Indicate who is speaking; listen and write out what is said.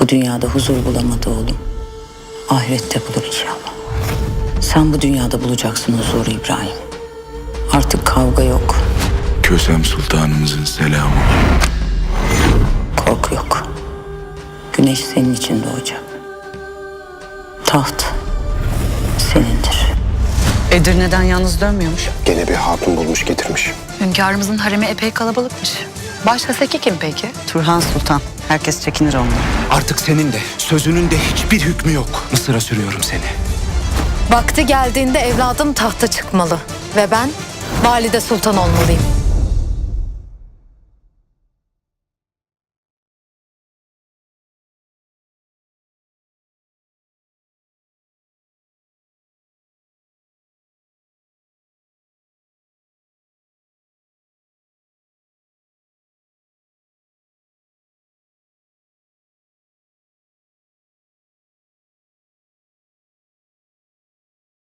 Speaker 1: dünyada huzur bulamadı oğlum. Ahirette bulur inşallah. Sen bu dünyada bulacaksın huzuru İbrahim. Artık kavga yok,
Speaker 2: Kösem Sultanımızın selamı.
Speaker 1: korku yok. Güneş senin için doğacak. Taht senindir.
Speaker 3: Edirne'den yalnız dönmüyormuş.
Speaker 4: Gene bir hatun bulmuş getirmiş.
Speaker 5: Hünkârımızın haremi epey kalabalıkmış. Başkasaki kim peki?
Speaker 3: Turhan Sultan. Herkes çekinir ondan.
Speaker 6: Artık senin de, sözünün de hiçbir hükmü yok. Mısır'a sürüyorum seni.
Speaker 7: Vakti geldiğinde evladım tahta çıkmalı ve ben valide sultan olmalıyım.